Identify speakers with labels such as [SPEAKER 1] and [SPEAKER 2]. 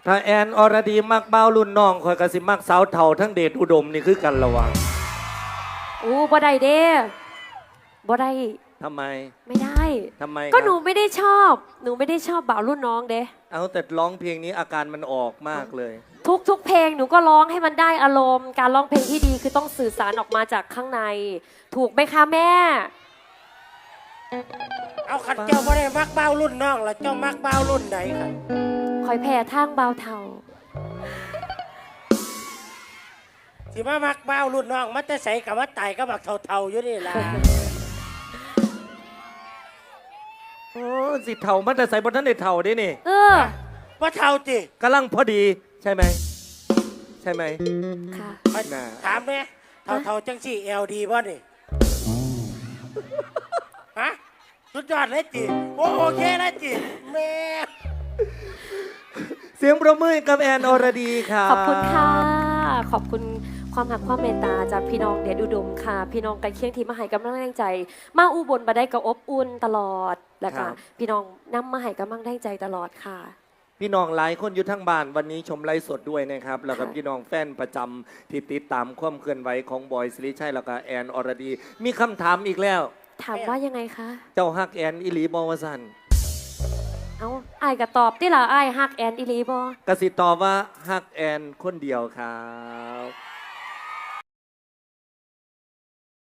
[SPEAKER 1] ถ้าแอนอรดีมักเบ้ารุ่นน้องคอยกระสิมักสาวเถ่าทั้งเดชอุดมนี่คือกันระวัง
[SPEAKER 2] อู้บ่ได้เด้บ่ได้
[SPEAKER 1] ทำไม
[SPEAKER 2] ไม่ได้
[SPEAKER 1] ทำไม
[SPEAKER 2] ก็หนูไม่ได้ชอบบ่าวรุ่นน้องเด้
[SPEAKER 1] เอาแต่ร้องเพลงนี้อาการมันออกมากเลย
[SPEAKER 2] ทุกเพลงหนูก็ร้องให้มันได้อารมณ์การร้องเพลงที่ดีคือต้องสื่อสารออกมาจากข้างในถูกไหมคะแม่
[SPEAKER 3] เอาขัดเจ้าไม่ได้มักเบ้ารุ่นน้องแล้วเจ้ามักเบ้ารุ่นไหนครับ
[SPEAKER 2] คอยแผ่ทางเบาเทา
[SPEAKER 3] สิมามักเบ้ารุ่นน้องมันจะใส่กับว่าไต่ก็บักเท่าๆอยู่นี่ล่ะ
[SPEAKER 1] โอ้สิเถ่ามันแต่ใส่บนท่านเด็ดเถ่าได้นี่
[SPEAKER 3] ว่าเท่าจิ
[SPEAKER 1] กำลังพอดีใช่ไหม
[SPEAKER 2] ค่ะ
[SPEAKER 3] ถามเนี่ยเท่าจังสี่LDบ่นี่ฮะสุดยอดเลยจิโอเคเลยจิแม่
[SPEAKER 1] เสียงประมือกับแอนอรดีค่ะ
[SPEAKER 2] ขอบคุณค่ะขอบคุณความหักความเมตตาจากพี่น้องเดชอุดมค่ะพี่น้องกันเคียงที่มาให้กำลังแรงใจมาอุบลมาได้กับอบอุ่นตลอดแล้วก็พี่น้องนำมาให้กำลังแรงใจตลอดค่ะ
[SPEAKER 1] พี่น้องหลายคนอยู่ทั้งบ้านวันนี้ชมไลฟ์สดด้วยนะครับแล้วก็พี่น้องแฟนประจำที่ติดตามความเคลื่อนไหวของบอยสิริชัยแล้วก็แอนอรดีมีคำถามอีกแล้ว
[SPEAKER 2] ถามว่ายังไงคะ
[SPEAKER 1] เจ้าฮักแอนอิลีบอวสัน
[SPEAKER 2] เอาไอ้ก็ตอบที่ละไอ้ฮักแอนอิลีบ
[SPEAKER 1] อกสิตอบว่าฮักแอนคนเดียวครับ